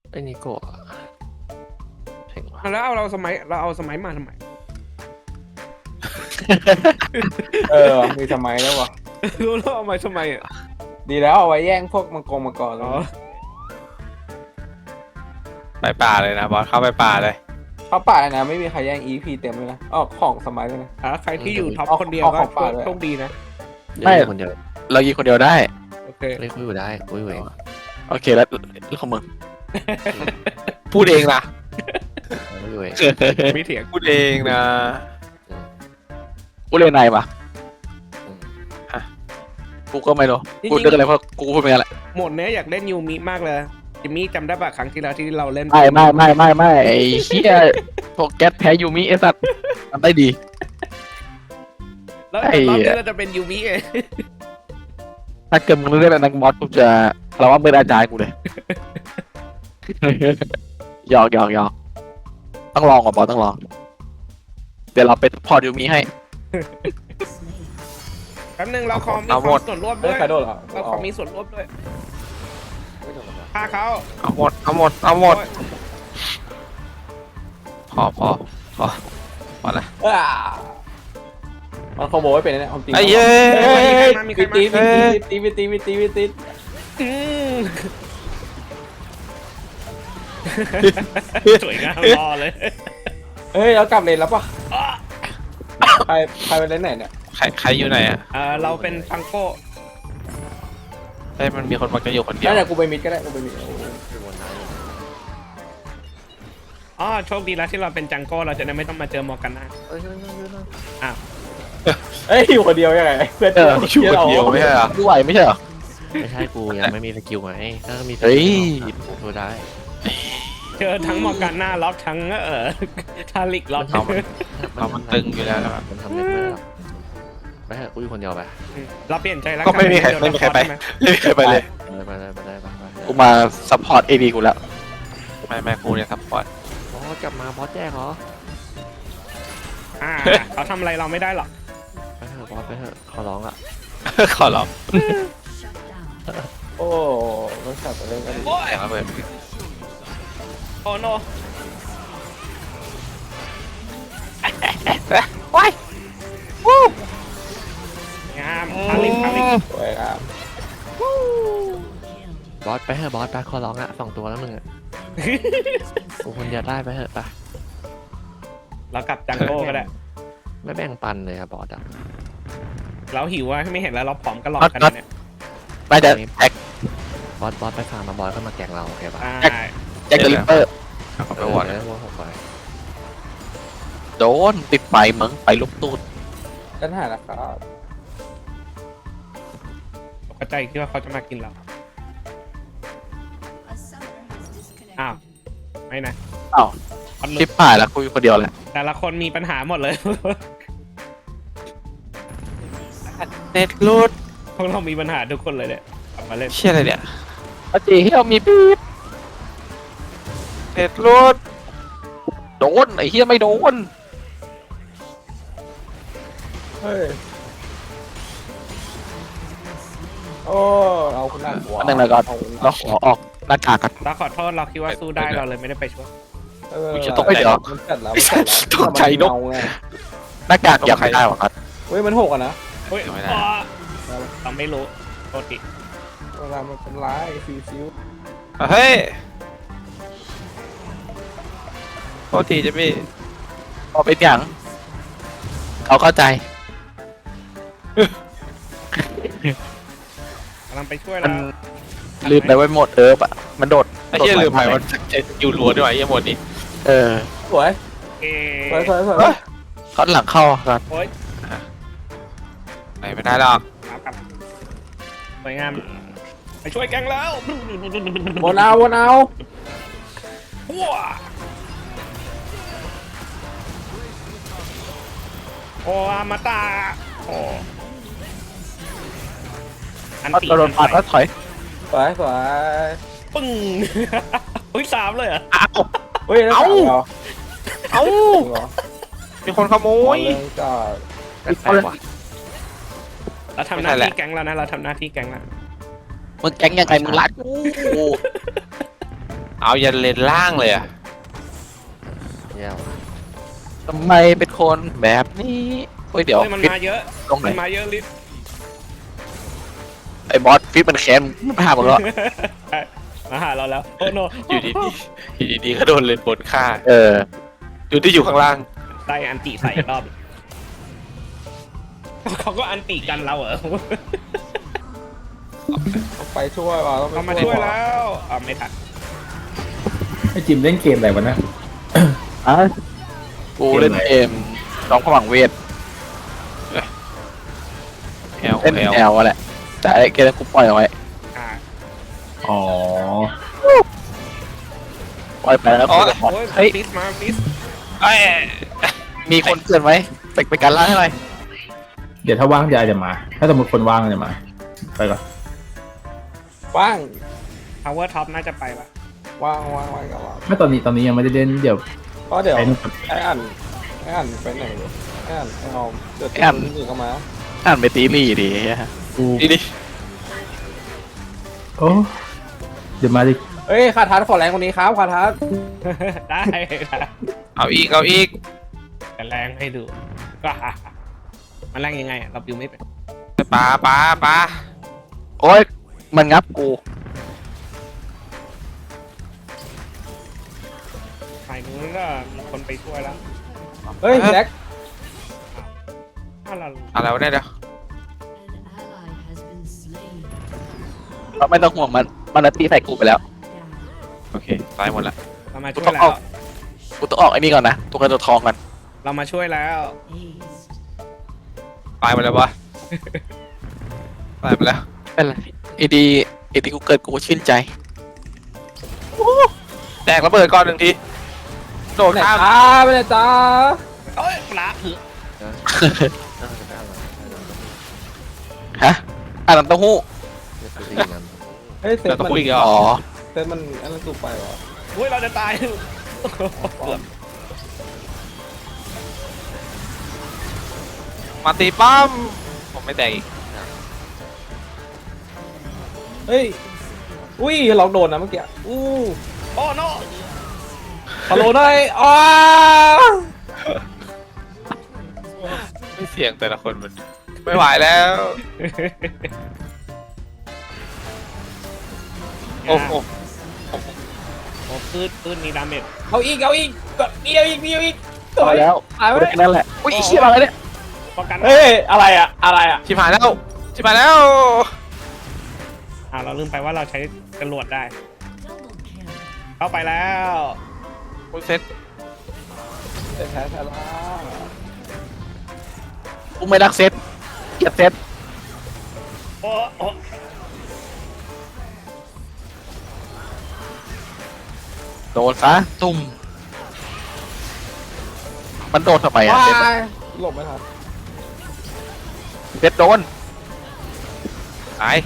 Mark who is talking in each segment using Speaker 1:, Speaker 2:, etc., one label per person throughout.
Speaker 1: ไอ้นิโกะเจ๋งว่ะ
Speaker 2: แล้วเราเอาสมัยมาทำไม
Speaker 3: มีสมัยแล้ววะ
Speaker 2: รู้แล้วเอามาทำไมอ่ะ
Speaker 3: ดีแล้วเอาไว้แย่งพวกมังกรแล้
Speaker 2: อ๋
Speaker 3: ว
Speaker 2: อ
Speaker 4: ไปป่าเลยนะบอสเข้าไปป่าเลย
Speaker 3: เขาป่านะไม่มีใครแย่ง EP เต็มเลยนะของสมัยเลยนะ
Speaker 2: ใครที่อยู่ท็อป
Speaker 3: เอา
Speaker 2: คนเดียว
Speaker 3: เอา
Speaker 2: ก็
Speaker 3: ของฝากด้วย
Speaker 2: โชคดีนะ
Speaker 1: ไม่คนเดียว
Speaker 4: เรายิงคนเดียวได้
Speaker 2: โอเค
Speaker 1: เล่นคุยอยู่ได้คุยอยู่เอง
Speaker 4: โอเคแล้วของมึง พูดเองนะ
Speaker 1: คุยอยู่เอง
Speaker 2: ไม่เถียง
Speaker 4: พูดเองนะ
Speaker 5: กูเรียนไหนปะ
Speaker 1: อืม
Speaker 5: กูก็ไม่รู้กูเรื่องอะไรเพราะกูพูดไปงั้นแหละ
Speaker 2: โหมดเนี้ยอยากเล่นยูมิมากเลยจิมมี่จำได้ปะครั้งที่แล้วที่เราเล่น
Speaker 5: ไม่ไอ้เหี้ยพวกแก๊สแพ้ยูมิไอ้สัตว์ทำได้ดี
Speaker 2: แล้ว
Speaker 5: ไอ้
Speaker 2: รอบนี้เราจะเป็นยูมิไง
Speaker 5: ถ้าเกิดมึงเล่นนักบอสกูจะเราว่าเป็นอาจารย์กูเลย หยอกต้องลองก่อนบอสต้องลอง เดี๋ยวเราไปพอร์ตยูมิให้
Speaker 2: แป๊บนึงเราขอมี
Speaker 4: เอา
Speaker 2: ค
Speaker 4: หม
Speaker 2: วา
Speaker 4: ด
Speaker 2: มส่วนร่วม
Speaker 3: เฮ้
Speaker 2: ด้
Speaker 3: ย
Speaker 2: วย
Speaker 3: ใครโดนเหรอ
Speaker 2: เราขอมีส่วนร่วมด้วย
Speaker 1: ไม่โดนหรอก
Speaker 2: ฆ่าเขา
Speaker 4: เอาหมดเอาหมดเอาหมดพอพอละ
Speaker 3: มันขโมยไปเนี่ยความจริง
Speaker 4: ไอ้เย้
Speaker 3: เฮ้ย
Speaker 2: มีใคร
Speaker 3: ตี
Speaker 2: มา
Speaker 3: ตี
Speaker 2: อืมสวยงามรอเลย
Speaker 3: เฮ้ยเรากลับเลนแล้วปะใครไปเลนไหนเนี่ย
Speaker 4: ใครอยู่ไหนอ่ะ
Speaker 2: เราเป็นฟังโก้
Speaker 4: เฮ้ยมันมีคนมาจะอยู่คนเดียว
Speaker 3: นั่นแหละกูไปมิดก็ได้กูไปมิด
Speaker 1: คือวนน้ำอยู่
Speaker 2: โชคดีแล้วที่เราเป็นจังโก้เราจะได้ไม่ต้องมาเจอมอร์กันนา
Speaker 1: เอ้ยนั่น
Speaker 3: เฮ้ยอยู่คนเดียวยังไงเพื่อน
Speaker 4: อยู่คนเดียวไม่ใช่เหรอ
Speaker 5: กูไหวไม่ใช่เหรอ
Speaker 1: ไม่ใช่กูยังไม่มีสกิลไงถ้ามีส
Speaker 5: เฮ้
Speaker 1: กิ
Speaker 5: ย
Speaker 1: ลกูช่วยได้
Speaker 2: เจอทั้งมอร์กันนาล็อกทั้งทาริกล็อก
Speaker 4: เอามันตึงอยู่แล้วนะครับ
Speaker 1: มันทำเล่นไม่ได้หรอกไปเถอะกูอยู่คนเดียวไป
Speaker 2: เราเปลี่ยนใจแล้ว
Speaker 4: ก็ไม่มีใครไปไม่มีใครไปเลย
Speaker 1: ไป
Speaker 5: กูมาซัพพอร์ตเอดีกูแล้ว
Speaker 4: ไม่กูเนี่ยซัพพอร์ต
Speaker 1: บอสกลับมาบอสแจ้งเหรอ
Speaker 2: เขาทำอะไรเราไม่ได้หรอก
Speaker 1: ไปเถอะบอสไปเถอะขอร้องอ่ะ
Speaker 4: ขอร้อง
Speaker 3: โอ้มันสับอะไรกัน
Speaker 2: โอ้ย
Speaker 4: เสียงระเบิด
Speaker 2: โอ้โน
Speaker 4: ว้าย
Speaker 2: งามทาริก
Speaker 3: สวยครับ
Speaker 1: บอสไปเถอะบอสไปขอร้องอ่ะ2 ตัวแล้วมึงอ่ะกูคนเดียวได้ไปเถอะไป
Speaker 2: เรากลับจังโก้ก็ได้
Speaker 1: ไม่แบ่งปันเลยอะบอสอ่ะ
Speaker 2: เราหิวอะไม่เห็นแล้วเราผอมกันหลอกกันเนี่ย
Speaker 5: น่าจะแจ็ค
Speaker 1: บอสไปฟาร์มมาบอสก็มาแกงเราโอเคปะ
Speaker 5: แจ็คเดอะลิปเปอร์
Speaker 4: เอาไปวอร์ด
Speaker 1: หัวหกไป
Speaker 5: โดนติดไปมึงไปลุกตูด
Speaker 3: กันหานะครับ
Speaker 2: เข้าใจคิดว่าเขาจะมากินเราอ้าวไม่นะ
Speaker 5: อ้าว
Speaker 2: คนลุ
Speaker 5: ชิ
Speaker 2: ก
Speaker 5: ปผ่านแล้วกูอยู่คนเดียวแหละ
Speaker 2: แต่ละคนมีปัญหาหมดเลย
Speaker 4: เน็ตรูด
Speaker 2: พวกเรามีปัญหาทุกคนเลยเนี่ยกลับมาเล่น
Speaker 4: เชี่ยอะไรเนี่ย
Speaker 5: ปจีเฮียมีปี๊บ
Speaker 4: เน็ตรูด
Speaker 5: โดนไอ้เฮียไม่โดน
Speaker 3: เฮ้ยโอ้เราคุณน่ากลัว
Speaker 5: อันนึงแล้วก็เราขอออกหน้ากากกัน
Speaker 2: เราขอโทษเราคิดว่าสู้ได้เราเลยไม่ได้ไปช่วย
Speaker 5: กูจะตกไปเดี๋ยว
Speaker 3: มันจัดแล้ว
Speaker 4: ตกใจนก
Speaker 5: หน้ากากอยากไม่ได้หรอครับ
Speaker 3: เฮ้ยมันหกอ่ะนะ
Speaker 2: เฮ้ย
Speaker 4: ไม่ได้
Speaker 2: เราไม่รู้โทษที
Speaker 3: เวลามันเป็นร้ายซิว
Speaker 4: เฮ้ยโทษทีจะพี่
Speaker 5: พอเป็นอย่างเขาเข้าใจ
Speaker 2: กำลังไปช่วย
Speaker 5: มั
Speaker 2: เรา
Speaker 5: นลืมไปไว้หมดปะมันโดด
Speaker 4: ไอ้เหี้ยลืมไปว่าจะอยู่รัวด้วยไอ้เหี้ยหมดนี่
Speaker 5: เออ
Speaker 3: สวย
Speaker 2: เอ
Speaker 3: สวย
Speaker 5: เขาหลังเข้าครับ
Speaker 2: โอ้ย
Speaker 4: ไหนไม่ได้หรอก
Speaker 2: ครับสวยงามไปช่วยแกงแล้ว
Speaker 3: วนเอา
Speaker 2: ว้าโอ้อามาตาโอ้อัน
Speaker 5: เขา
Speaker 2: ตี
Speaker 5: โดนปัดแล้วถอย
Speaker 3: สวย
Speaker 2: ปึ้ง อุ้ย3เลยเหรอ
Speaker 5: อ้าว
Speaker 3: เฮ้ยแล้วเหรอ
Speaker 5: เอ้า
Speaker 4: มีคนขโมย
Speaker 3: ก็
Speaker 1: กันแปลกว่ะ
Speaker 2: เราทำห
Speaker 4: ไม่
Speaker 2: น้า
Speaker 4: ใช่แหละ
Speaker 2: ที่แก๊งแล้วนะเราทำหน้าที่แก๊งแล้ว
Speaker 5: มึงแก๊งยังไงมึงรัดกู
Speaker 4: เอายันเลนล่างเลยอะ
Speaker 1: เยี่ยม
Speaker 5: ทำไมเป็นคนแบบนี้เฮ้ยเดี๋ยว
Speaker 2: เฮ้ยมัน
Speaker 5: ฟิต
Speaker 2: มาเยอะ
Speaker 5: ตรงไหน
Speaker 2: มันมาเยอะลิศ
Speaker 5: ไอ้บอสฟิตมันแค้นมันพาหมดแล้ว
Speaker 2: มาหาเราแล้วโอ้โน
Speaker 4: อยู่ดีๆอยู่ดีๆก็โดนเลนบนฆ่า
Speaker 5: เออ
Speaker 4: อยู่ที่อยู่ข้างล่าง
Speaker 2: ได้อันติใส่อีกรอบเขาก็อันติกันเราเหรอ
Speaker 3: ต้องไปช่วยว่ะต้อง
Speaker 2: เขา
Speaker 3: ไป
Speaker 2: มาช่วยแล้วอ่าไม่ทัน
Speaker 6: ไอจิมเล่นเกมอะไรวะนะ
Speaker 5: อ่ะกูเล่นเกมน้องผวังเวท
Speaker 4: แอล
Speaker 5: เล่น
Speaker 4: แอล
Speaker 5: แอลแหละแต่ไอ้เกมนั้นกูปล่อยเอาไว้
Speaker 2: อ่า
Speaker 6: อ๋อ
Speaker 5: ปล่อยไปแล้วก็คุยกับบอส
Speaker 2: โอ้ย
Speaker 5: เฮ้ย
Speaker 2: ฟิสมาฟิส
Speaker 4: เอ้ย
Speaker 5: มีคนเกินไหมไปการล่าให้หน่อย
Speaker 6: เดี๋ยวถ้าว่างยายจะมา ถ้าสมมติคนว่างจะมา ไปก่อน
Speaker 3: ว่าง
Speaker 2: พาวเวอร์ท็อปน่าจะไปละ
Speaker 3: ว่างว่างว่างกับว่าง
Speaker 6: ไม่ตอนนี้ยังไม่ได้เล่น เดี๋ยว
Speaker 3: ก็เดี๋ยว
Speaker 6: ไอ้นู่น
Speaker 3: ไอ้อ่านไปไหนวะไอ้อ่านไอ้ออมเดี๋ยวตื่นเข้ามา
Speaker 5: อ่านไปตีรี่ดิเหี้ย
Speaker 6: กู
Speaker 4: นี่ดิ
Speaker 6: โอ้เดี๋ยวมาดิ
Speaker 3: เอ้ยคาทัสขอแรงกว่านี้ครับคาทัส
Speaker 2: ได้ได้
Speaker 4: เอาอีกเอาอีก
Speaker 2: แต่แรงให้ดูก็มันแรงยังไงอะเราบิวไม่เป็น
Speaker 4: ปลาปลาปลา
Speaker 5: โอ้ยมันงับกู
Speaker 2: ฝ่ายนู้นก็มีคนไปช่วยแล้ว
Speaker 3: เฮ้ยแจ็ค
Speaker 2: ถ้าเรา
Speaker 4: อะไรวะเนี่ยเดี๋ยว
Speaker 5: เราไม่ต้องห่วงมันตีใส่กูไปแล้ว
Speaker 4: โอเคตายหมดละ
Speaker 2: เรามาช่วยแล้ว
Speaker 5: กูต้องออกไอ้นี่ก่อนนะตัวเงินตัวทองกัน
Speaker 2: เรามาช่วยแล้ว
Speaker 4: ตายหมดแล้ววะตายหมดแล้ว
Speaker 5: เป็นไรไอ้ดีกูเกิดกูชื่นใจ
Speaker 4: แตกระเบิดก่อนหนึ่งทีโดด
Speaker 3: ไหน
Speaker 4: ข้าม
Speaker 3: จ้าไปไหนจ้า
Speaker 2: เอ้ยปลาถือ
Speaker 5: ฮะอ่านน้ำเต้าหู้
Speaker 3: เฮ้ยเซต
Speaker 4: เราต้อง
Speaker 3: มัน
Speaker 4: คุยกัน
Speaker 5: อ๋อ
Speaker 3: เซตมันอันนั้นสูบไปวะ
Speaker 2: อุ้ยเราจะตาย
Speaker 4: มาตีป้อมผมไม่แตกอีก
Speaker 3: เฮ้ยอุ้ยเราโดนนะเมื่อกี้อู้
Speaker 2: โอ้โน
Speaker 3: ฮัลโหลได้อ้า
Speaker 4: ไม่เสียงแต่ละคนมันไม่ไหวแล้วโอ้โห
Speaker 2: โอ้พืชมีดาเมจ
Speaker 3: เอาอีกก็เดียวอีก
Speaker 5: ต่อแล้ว
Speaker 3: ตายไป
Speaker 5: แค่นั้นแหละอุ้ยไอ้เชี่ยมาแล้วเนี่ย
Speaker 2: ป้องกัน
Speaker 3: เฮ้ยอะไรอะ
Speaker 4: ชิบหายแล้วชิบหายแล้ว
Speaker 2: เราลืมไปว่าเราใช้จรวดได้ เข้าไปแล้ว
Speaker 4: คุณเซ็ต
Speaker 3: เซตแท้ละ
Speaker 5: กูไม่รักเซตเกลียดเซต
Speaker 2: โอ้โอ้
Speaker 5: โดนซะตุ่มมันโดนทำไมอ่ะ
Speaker 3: ว้า
Speaker 5: เซต
Speaker 3: ยหลบไม่ทัน
Speaker 5: เซตโดน
Speaker 4: ตาย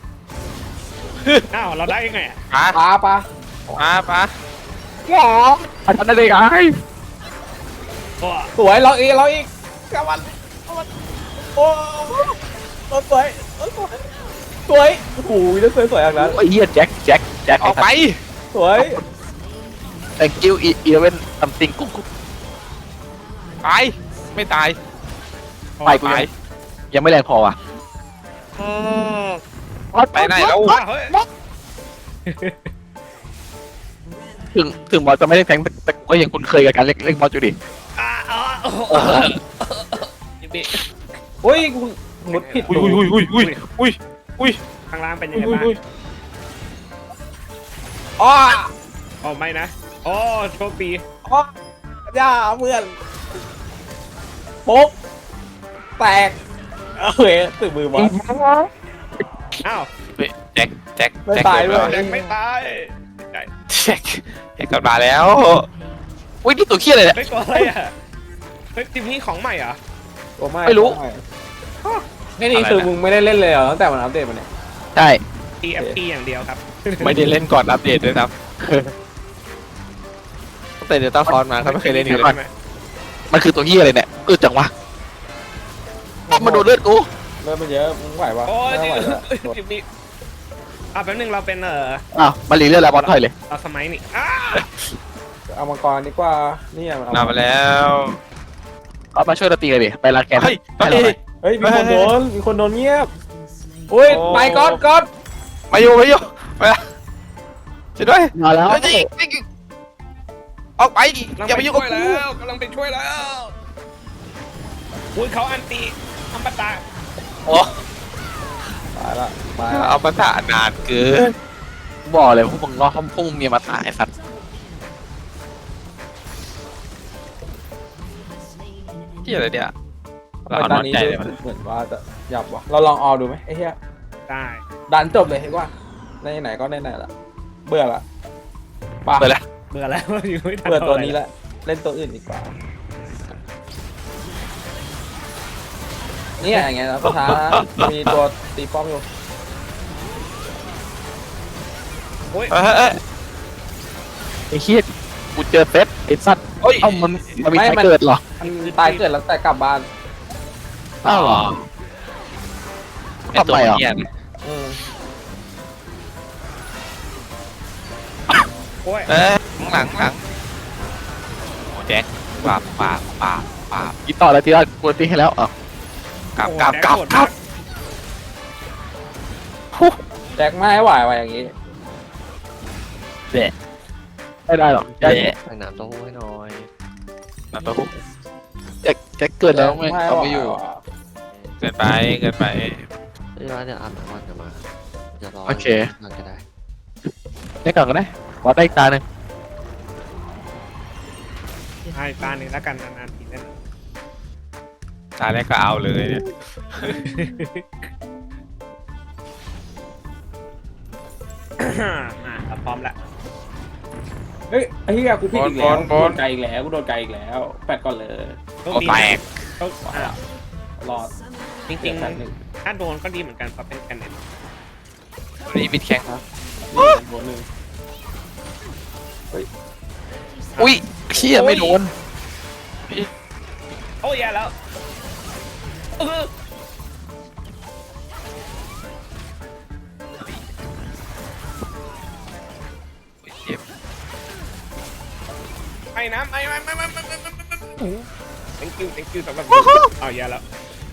Speaker 2: อ้าวเราได้ยังไงอะ
Speaker 4: ปลา
Speaker 3: ปลา
Speaker 4: ปลาปลา
Speaker 3: หรอ
Speaker 5: มันทำได้ไง
Speaker 2: โอ้
Speaker 3: สวยเราอีกกำมันโอ้สวยโอ้โหจะสวยอย่างนั้น
Speaker 5: ไอ้เหี้ยแจ็ค
Speaker 4: ออกไป
Speaker 3: สวย
Speaker 5: thank you even something กุ๊ก
Speaker 4: ตายไม่ตาย
Speaker 5: ไปกู
Speaker 4: ตาย
Speaker 5: ยังไม่แรงพอว่ะ
Speaker 4: อืมไปไหนแล้ว
Speaker 2: เฮ้ย
Speaker 5: ถึงบอสจะไม่ได้แทงแต่กูก็ยังคุ้นเคยกับการเล่นบอสอยู่ดิ
Speaker 2: บิ
Speaker 3: โอ้ยกูมุดผิด
Speaker 4: อุ้ย
Speaker 2: ข้างล่างเป็นยังไงบ้าง
Speaker 3: อ้อ
Speaker 2: โอ้ไม่นะโอ้โชคดี
Speaker 3: อ้อย่าเพื่อนโป๊กแตกเฮ้ยตื่นมือบอล
Speaker 2: อ้าว
Speaker 4: แจ็ค
Speaker 3: ไม่ตายด้วย
Speaker 2: ยังไม่ตาย
Speaker 4: แจ็คกลับมาแล้ว
Speaker 5: อุ้ยนี่ตัวเขี้ยอะไรเนี่ย
Speaker 2: ไม่กลัวอะไรอ่ะเฮ้ยทีมนี้ของใหม่เหรอ
Speaker 5: ไม่รู้
Speaker 3: นี่คือมึงไม่ได้เล่นเลยเหรอตั้งแต่มันอัปเดตมาเนี่ย
Speaker 5: ใช่
Speaker 2: TFT อย่างเดียวครับ
Speaker 4: ไม่ได้เล่นก่อนอัปเดตด้วยครับตั้งแต่เดลต้าฟอนมาเขาไม่เคยเล่นอีกเลย
Speaker 5: มันคือตัวเขี้ยอะไรเนี่ยจังวะมันโดนเลือดกู
Speaker 3: เริ่มมันเยอะมึงไหวปะ
Speaker 2: โอ้ย
Speaker 3: ไม่
Speaker 2: นี่
Speaker 3: ไหวแล้ว
Speaker 2: ทีมนี้แป๊บนึงเราเป็น
Speaker 5: อ้าวมารีเลือดแล้วบอลถอยเลย
Speaker 2: เราสมัยนี่
Speaker 3: เอามังกรดีกว่านี่เอา
Speaker 4: นำไปแล้ว
Speaker 5: เอามาช่วยเราตีกันดิไปรัดแกน
Speaker 4: เฮ้ย
Speaker 5: ให้เราหน่อย
Speaker 3: เฮ้ยมีคนโดนเงียบอุ้ย
Speaker 4: โอ้
Speaker 3: ไปก๊อต
Speaker 4: มาอยู่มาช่วยด้วย
Speaker 5: มาแล้ว
Speaker 4: เฮ้ยออกไปอย่าไปยุ่งกับกู
Speaker 2: กำลังไปช่วยแล้วอุ้ยเขาอันตีอัมปตะ
Speaker 4: โอ้
Speaker 3: มาละ
Speaker 4: เอาภาษานานเกิน
Speaker 5: บอกเลยพวกมึงรอพวกมึงมีมาตายสัตว์
Speaker 4: ที่อะไรเนี่ย
Speaker 3: ไปตอนนี้เหมือนว่าจะหยับวะเราลองออดูไหมไอ้เหี้ย
Speaker 2: ได้
Speaker 3: ดันจบเลยเห็นว่าไหนก็ไหนละเบื่อละป่ะ
Speaker 4: ไปแล้ว
Speaker 2: เบื่อแล้วอยู่ไม่ทัน
Speaker 3: เบื่อตัวนี้ละเล่นตัวอื่นดีกว่าเนี่ยอย่างเงี้ยนะประธานมีตัวตีป้อมอยู่
Speaker 2: โอ้ย
Speaker 5: ไอ้เหี้ยกูเจอเซตไอ้สัตว์
Speaker 4: โอ้ย
Speaker 5: เอ้ามันมีใครเกิดเหรอ
Speaker 3: มันตายเกิดแล้วแต่กลับบ้าน
Speaker 5: อ้าวเหรอ
Speaker 4: ไอตัวเนี้ย
Speaker 3: อืม
Speaker 2: โอ้ย
Speaker 4: หลังโอ้แจ็คปาบ
Speaker 5: กินต่อแล้วทีละกูตีให้แล้วอ่ะ
Speaker 4: กลับ
Speaker 3: แจ็คไม่ให้ไหวอย่างงี้
Speaker 5: ไม่ได้หรอกแจ็ค
Speaker 1: ใส่น้ำเต้าหู้ให้หน่อย
Speaker 4: มาตัวคุก
Speaker 5: แจ็คเกิดแล้วไม่เอาไม่อยู่
Speaker 4: เกินไป
Speaker 1: เอ้ยว่าเดี๋ยวอาบน้ำวันจะมาจะรอ
Speaker 5: โอเค
Speaker 1: นั่นก็ได้
Speaker 5: ได้ก่อนก็ได้บอสได้อีกตาหนึ่ง
Speaker 2: ให้ตาหนึ่งแล้วกันนานๆทีเล่น
Speaker 4: ตาแรกก็เอาเลยเนี่ย
Speaker 2: เราพร้อมแล้ว
Speaker 3: เฮ้ยไอ้เหี้ยกูผิดอีกแล้วกูโดนไกลอีกแล้วแปดก่อนเลย
Speaker 2: ต้อง
Speaker 4: โอ้
Speaker 2: มี
Speaker 4: แตก
Speaker 2: ต้อง
Speaker 3: รอด
Speaker 2: จริงๆถ้าโดนก็ดีเหมือนกันเพราะเป็นกันเน็ต
Speaker 4: ตัวนี้มิดแข็ง
Speaker 3: นี่หัวหนึ่ง
Speaker 5: อุ้ยเชี่ยไม่โดน
Speaker 2: โอ้ยแย่แล้วไอ้น้ำไอ้ thank you สำหรับเอาแย่แล้ว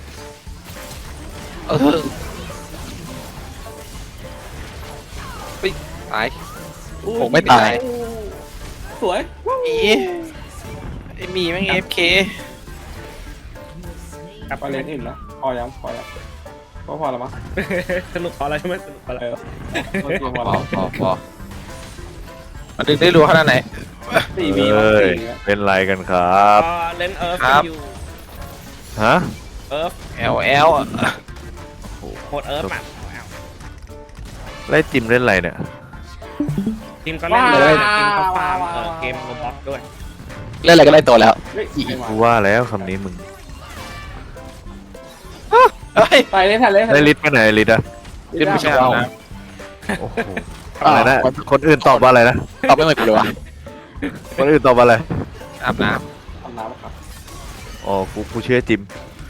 Speaker 4: ตาย
Speaker 5: ผมไม่ตาย
Speaker 3: สวย
Speaker 4: ไอมีแม่ง FK
Speaker 2: กลับ
Speaker 3: ไปเล่นอื่นแล้วพอแล้วก็พอแล้วมั้ง
Speaker 2: สนุกพอแล้วใช่ไหมสนุกพอแล้ว
Speaker 3: โอเคพอ
Speaker 4: พ
Speaker 3: แล้ว
Speaker 4: อมาดึงได้รู้ขนาดไหน
Speaker 3: สี่วี
Speaker 7: เอ้ย
Speaker 3: สี่
Speaker 7: เป็นไรกันครับ
Speaker 2: ก็เล่นเอิร์ฟ
Speaker 4: ครับ
Speaker 2: อยู่
Speaker 7: ฮะ
Speaker 2: เอิร์ฟ
Speaker 4: LL
Speaker 2: โหดเอิร์ฟอ่ะ
Speaker 7: ไล่จิมเล่นอะไรเนี่ย
Speaker 2: ทีมก็เล่นเลยทีมก็ฟาร์มเกมโรบอทด้วย
Speaker 5: เล่นอะไรก็ได้ตัวแล้ว
Speaker 3: เฮ้ย
Speaker 7: กูว่าแล้วคำนี้มึง
Speaker 4: เฮ้ย
Speaker 3: ไปเล่นทันเล่นทัน
Speaker 7: ได้ลิทไปไหนลิทอะ
Speaker 5: เล่นไม่ใช่เรา
Speaker 7: โอ้โหอะไรนะ คนอื่นตอบว่าอะไรนะ
Speaker 5: ตอบไม่เหมือนกูเลยวะ
Speaker 7: คนอื่นตอบว่าอะไร
Speaker 4: อาบน้
Speaker 3: ทำน้ำครับ
Speaker 7: อ๋อ กูเชื่อจิม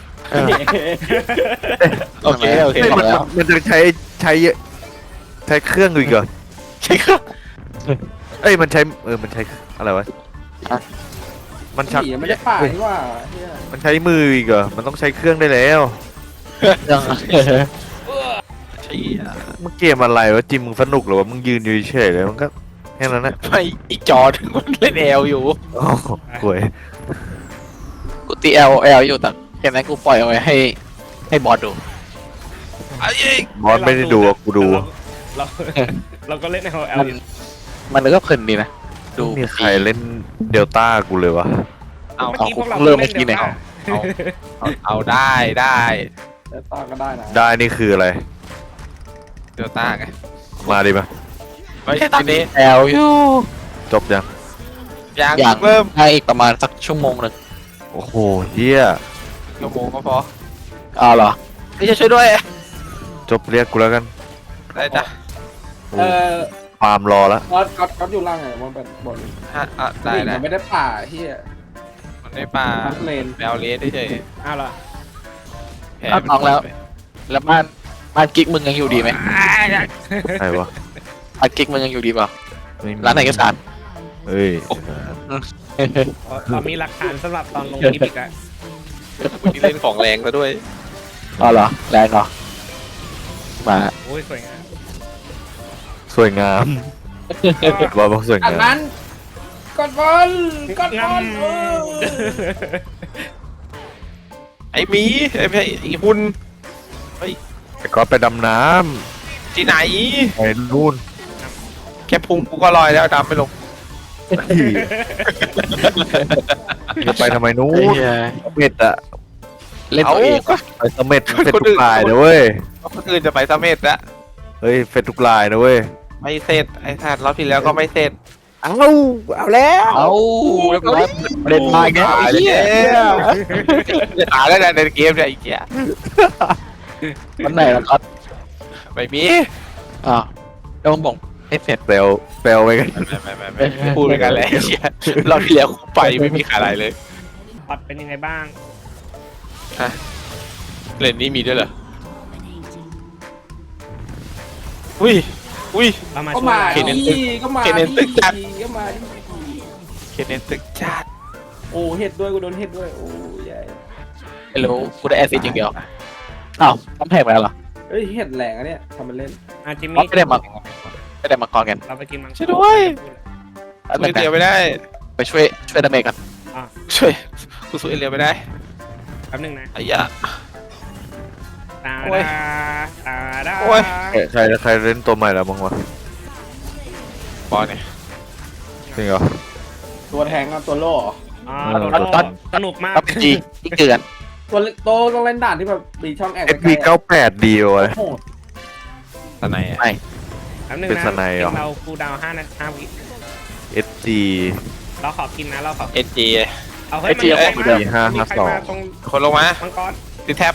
Speaker 5: โอเคโอเค
Speaker 7: เฮ้ย
Speaker 5: ตอบ
Speaker 7: มัน
Speaker 5: แล้ว
Speaker 7: มันจะใช้เครื่องอีกเหรอ
Speaker 5: ใช่ครับ
Speaker 7: เอ้ย มันใช้อะไรวะ มันชัก
Speaker 3: ผีไม่ได้ป่าที่ว่าเหี้ย
Speaker 7: มันใช้มืออีกเหรอ มันต้องใช้เครื่องได้แล้ว
Speaker 5: ยัง
Speaker 4: ำใช่
Speaker 7: มึงเกมอะไรวะจิมมึงสนุกเหรอวะมึงยืนอยู่เฉยๆเลยมันก็แค่นั้นนะ
Speaker 4: ไม่อีกจอถึงมันเล่น L อยู่
Speaker 7: โอ้โหห่วย
Speaker 5: กูตี L อยู่แต่แค่นั้นกูปล่อยเอาไว้ให้บอสดู
Speaker 7: บอสไม่ได้ดูอะกูดู
Speaker 2: เราก็เล่นใน LL
Speaker 5: มันมันก็เพลินดีนะดู
Speaker 7: ไม่มีใครเล่นเดลต้ากูเลยวะ
Speaker 2: เมื่อกี้พวกเรา
Speaker 5: เริ่มเมื่อกี้เนี่ย
Speaker 4: เอาได้
Speaker 3: แต่ตาก็ได้นะ
Speaker 7: ได้นี่คืออะไร
Speaker 4: เดลต้าไง
Speaker 7: มาดิมา
Speaker 4: ไม่ใช่ตอนนี้
Speaker 5: L อยู่
Speaker 7: จบยัง
Speaker 4: ยังเริ่ม
Speaker 5: ให้อีกประมาณสักชั่วโมงหนึ่ง
Speaker 7: โอ้โหเฮีย
Speaker 4: ชั่วโมงก็พอ
Speaker 5: อ้าวเหรอ
Speaker 4: ไม่ใช่ช่วยด้วย
Speaker 7: จบเรียกกูแล้วกัน
Speaker 4: ได้จ้ะ
Speaker 7: โอ้
Speaker 3: เออ
Speaker 7: ปาล์มรอแล้ว
Speaker 3: ก๊อตอยู่ล่างไงมันเป็นบอล
Speaker 4: ได้
Speaker 3: มันไม่ได้ป่าเฮีย
Speaker 4: มันได้ปลา
Speaker 3: ทั้งเลน
Speaker 4: แมวเลสเฉย
Speaker 2: อ้าวเหรอ
Speaker 4: ๆแพ้
Speaker 5: เอาน้องแล้ว แล้วบ้านบ้านกิ๊กมึงยังอยู่ดีไหม
Speaker 7: ใครวะ
Speaker 5: บ้านกิ๊กมึงยังอยู่ดีเปล่า
Speaker 7: ไม่มี
Speaker 5: ร้านเอกสาร
Speaker 7: เฮ้ย
Speaker 2: เรามีหลักฐานสำหรับตอนลงคลิปอีกอะ
Speaker 4: วันนี้เล่นของแรงแล้วด้วย
Speaker 5: อ๋อเหรอแรงเหรอมา
Speaker 2: โอ้ยสวยงาม
Speaker 7: สวยงามบอกสวย
Speaker 3: อัน
Speaker 7: งาม
Speaker 3: นั้นกดบอลกดบอล
Speaker 4: ไอ้หมีไอ้ไม่ใช่ไอ้หุ่น
Speaker 7: ไอ้ก๊อตไปดำน้
Speaker 4: ที่ไหน
Speaker 7: ำไปนู่น
Speaker 4: แค่พุงกูก็ลอยแล้วดำไม่ลง
Speaker 7: จะไปทำไมนู่
Speaker 5: ไอ้
Speaker 7: น
Speaker 5: เหี้ย
Speaker 7: เม็ดอะ
Speaker 5: เล่นตัวเองวะ
Speaker 7: ไปเสม็ดเฟ็ดทุกลายนะเว้ย
Speaker 4: คนอื่นจะไปเสม็ดละ
Speaker 7: เฮ้ยเฟ็ดทุกลายนะเว้ย
Speaker 4: ไม่เสร็จไอ้สัตว์รอบที่แล้วก็ไม่เสร็จ
Speaker 7: เอาแล้ว
Speaker 5: เอาเรียบร้อยเล่นมาอีกแล้วไอ้เหี้ย
Speaker 4: จะตายแล้วนะในเกมเนี่ยไอ้เหี้ย
Speaker 5: วันไหนล่ะครับ
Speaker 4: ไม่มี
Speaker 5: อ้าวแล้วมึงบอกให้เสร็จ
Speaker 7: เปลวเปลวไปกัน
Speaker 4: ไม่พูดไปกันเลยไอ้เหี้ยรอบที่แล้วกูไปไม่มีอะไรเลย
Speaker 2: พอดเป็นยังไงบ้าง
Speaker 4: เล่นนี้มีด้วยเหรออุ้ยอุ้ย
Speaker 2: เรามา
Speaker 3: ก็
Speaker 2: ช่วย
Speaker 3: มา
Speaker 2: เรา
Speaker 4: เคนเนน
Speaker 3: ดิก็มา
Speaker 4: เคนเนนตึกจัด
Speaker 3: ก็มาดิ
Speaker 4: เคนเนนตึกจัด
Speaker 3: โอ้เห็ดด้วยกูโดนเห็ดด้วยโอ้ยาย
Speaker 5: ไม่รู้กูได้แอสซิดอย่างเดียวอ้าวต้องแพงไปแล้วเหรอ
Speaker 3: เฮ้ยเห็ดแหลงอะเนี่ยทำมันเล่น
Speaker 2: อ่ะจิม
Speaker 5: อ๋อ
Speaker 2: มี่
Speaker 5: ไม่ได้มาก่อนกัน
Speaker 2: เราไปกินมัง
Speaker 4: ช่วยด้วย
Speaker 5: แล้ว
Speaker 4: สู้เอเลียวไม่ได้
Speaker 5: ไปช่วยดาเมจกัน
Speaker 4: ช่วยกูสู้เอเลียวไม่ได้
Speaker 2: แป๊บนึงนะ
Speaker 4: ไอ้ยะ
Speaker 2: ตา
Speaker 4: โอ้ย
Speaker 2: ดาตาดา
Speaker 4: โอ้ย
Speaker 7: ใครเล่นตัวใหม่แล้วบ้างวะ
Speaker 4: บอลเนี่ย
Speaker 7: จริงเหรอ
Speaker 3: ตัวแทงกับตัวโล่เหรอ
Speaker 2: อ๋อ
Speaker 7: เออ
Speaker 2: โดนโลสนุกมาก
Speaker 5: ปั๊บจียิ่งเกิน
Speaker 3: ตัวโตต้องเล่นด่านที่แบบมีช่องแอบ
Speaker 7: เอสบี98ดีวะ
Speaker 3: โอ้โห
Speaker 4: ตอนไหนอะ
Speaker 5: ไม่
Speaker 2: แป๊บนึง
Speaker 7: เป็น
Speaker 2: นะ
Speaker 7: สไนด์เหรอ
Speaker 2: เราคูลดาวน์5 วิ
Speaker 7: SG
Speaker 2: เราขอกินนะเราขอ
Speaker 4: เอ็นจี
Speaker 2: เอาให้มันมีใครมา
Speaker 7: ดี552
Speaker 2: มีใครมาตรง
Speaker 4: คนลงมา
Speaker 2: มังกร
Speaker 4: ติดแท็บ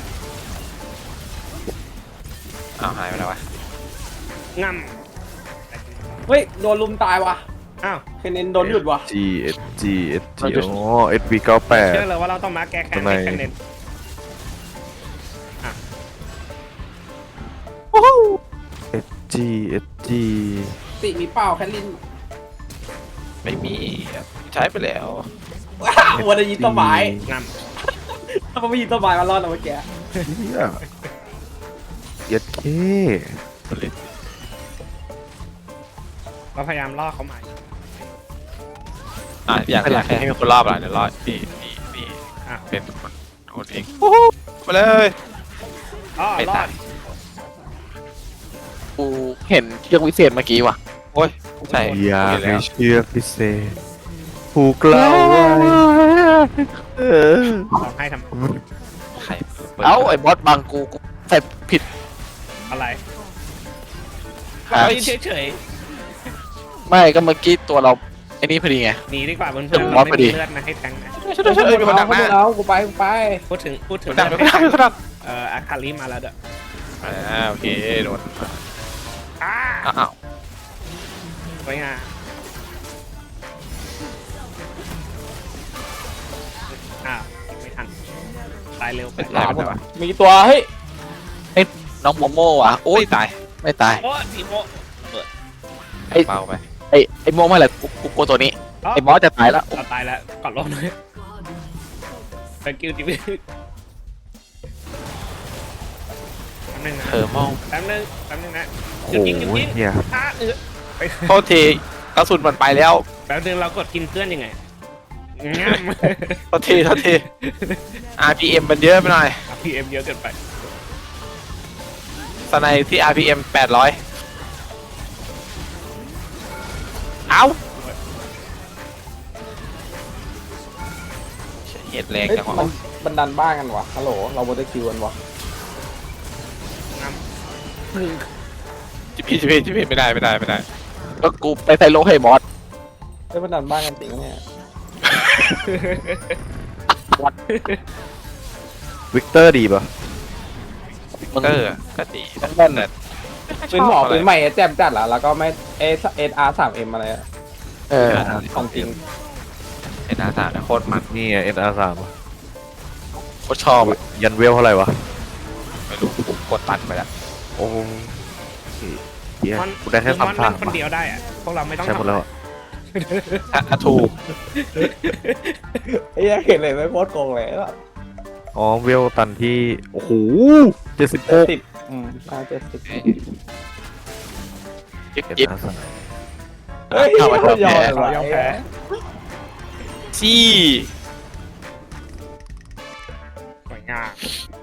Speaker 4: อ้าวหายไปแล้ววะ
Speaker 2: ง่
Speaker 3: เฮ้ยโดนลุมตายว่ะ
Speaker 2: ำอ้าว
Speaker 3: เคนเนนโดนหยุดว่ะ
Speaker 7: SG อ๋อ SB
Speaker 2: เชื่อ
Speaker 7: 98
Speaker 2: เลยว่าเราต้องมาแก้แค้น
Speaker 7: ทำไม
Speaker 2: ให้คะแนน
Speaker 7: SG SG
Speaker 3: ติมีเปล่าแคทลิน
Speaker 4: ไม่มีใช้ไปแล้ว
Speaker 3: ว้าววันนี้ยิงต้นไม้
Speaker 2: ง่
Speaker 3: ถ้ามันไม่ยิงต้นไม้มารอดนะเมื่อกี้
Speaker 7: เนี่ยเย็ดเค
Speaker 2: ำเราพยายามล่อเขามา
Speaker 4: อยากให้มีคนรอบอ่ะเดี๋ยวรอนี่
Speaker 2: อ่ะ
Speaker 4: เป็นคนเองมาเลย
Speaker 2: อ๋อ
Speaker 4: ไม่
Speaker 2: รอ
Speaker 4: ตา
Speaker 2: ด
Speaker 4: ย
Speaker 5: กูเห็นเชือกวิเศษเมื่อกี้ว่ะ
Speaker 4: โอ้ยใช่
Speaker 7: อยาก
Speaker 4: เห็นแล้
Speaker 7: ให้
Speaker 4: ว
Speaker 7: เชื่อพิเศษผูกเราไว้เออ
Speaker 2: ร้องให้ทำไม
Speaker 4: ใครปิด
Speaker 5: เอ้าไอ้บอสบังกูใส่ผิด
Speaker 2: อะไร
Speaker 5: ฮะ
Speaker 2: เฮ้ยเฉย
Speaker 5: ไม่ก็เมื่อกี้ตัวเราไอ้นี่พอดีไง
Speaker 2: ๆหนีดีกว่าเพื่อน
Speaker 5: เดี๋ยว
Speaker 2: ๆ
Speaker 5: บอ
Speaker 2: เรา
Speaker 5: ส
Speaker 2: ไม่
Speaker 5: พอดี
Speaker 2: มีเลือดนะให้แทงนะ
Speaker 4: ช่วยด้วยมีคนดักหน้า
Speaker 3: เอากูไป
Speaker 2: พูดถึง
Speaker 4: คนดักมีคนดัก
Speaker 2: อาคาริมาแล้วเด้อ
Speaker 4: โอเคโดน
Speaker 2: อ้า
Speaker 4: อ้าว
Speaker 2: สวยงามอ้าวไม่ทันตายเร็วไป
Speaker 4: เป็นไรเป็นไรวะ
Speaker 3: มีตัวเฮ้ย
Speaker 5: น้องโมโม่ว่ะโอ้
Speaker 4: โอ้
Speaker 5: ย
Speaker 4: ยตาย
Speaker 5: ไม่ตาย
Speaker 2: โอ้สีโม
Speaker 4: เบาไป
Speaker 5: ไอ้โมไม่แหละกูกลัวตัวนี้
Speaker 2: อ๋อ
Speaker 5: ไอ้บอสจะตายแล้ว
Speaker 2: เราตายแล้วกอดลงเลยไปกิ้วจิวิแป๊บนึงนะ
Speaker 4: เธอมอง
Speaker 2: แป๊บนึงนะ
Speaker 7: โอ้
Speaker 2: หยุดยิงหยุด
Speaker 7: โห
Speaker 2: ยิง
Speaker 7: เฮีย
Speaker 2: ไป
Speaker 4: โทษทีกระสุนมันไปแล้ว
Speaker 2: แป๊บนึงเรากดกินเพื่อนยังไงงั้ม
Speaker 4: โทษที RPM มันเยอะไปหน่อย
Speaker 2: PM เยอะเกินไป
Speaker 4: สไนที่ RPM 800เอ้าเหตุแรง
Speaker 3: เฮ้ย
Speaker 4: จัง
Speaker 3: มัน
Speaker 4: วะ
Speaker 3: บันดันบ้านกันวะฮัลโหลเราโมเดลคิวกันวะ
Speaker 4: จิพี่ไม่ได้
Speaker 5: ก็กูไปใส่โลให้บอส
Speaker 3: เฮ้ยบันดันบ้านกันจริงปะเนี่ย
Speaker 7: วิกเตอร์ดีป่ะ
Speaker 5: มึง
Speaker 4: ก็ดี
Speaker 5: ต้องแม่น
Speaker 4: แต่
Speaker 3: ปืนหมอปืนใหม่แจ่มจัดเหรอแล้วก็ไม่SR3M อะไรอะ
Speaker 5: เออ
Speaker 3: ของจริง
Speaker 4: เอ็นอาร์สามโคตรมัน
Speaker 7: นี่ไง NR3 อะ
Speaker 5: โคตรชอบอะ
Speaker 7: ยันเวลเท่าไหร่วะ
Speaker 4: ไม่รู้ผมกดตันไปแล้ว
Speaker 7: โอ้เหี้ย
Speaker 2: มัน
Speaker 7: กูได้แค่
Speaker 2: มัน
Speaker 7: 3 ทาง
Speaker 2: เล่นคนเดียวได้อะพวกเราไม่ต้อง
Speaker 7: ใช่หมดแล้ว
Speaker 5: ถูก
Speaker 3: ไอ้เหี้ยเห็นเลยไม่โคตรโกงเลยแล้ว
Speaker 7: อ๋อเวลตันที่โอ้โห76
Speaker 3: 7070
Speaker 5: จิ๊บ
Speaker 7: เก็บ
Speaker 5: จิ๊บ
Speaker 7: นะสัก
Speaker 3: เฮ้ย
Speaker 5: เอาไว้ก่อน
Speaker 3: ยอม
Speaker 5: แพ้
Speaker 3: เลย
Speaker 2: ยอมแพ้
Speaker 5: ซี่
Speaker 2: สวยงาม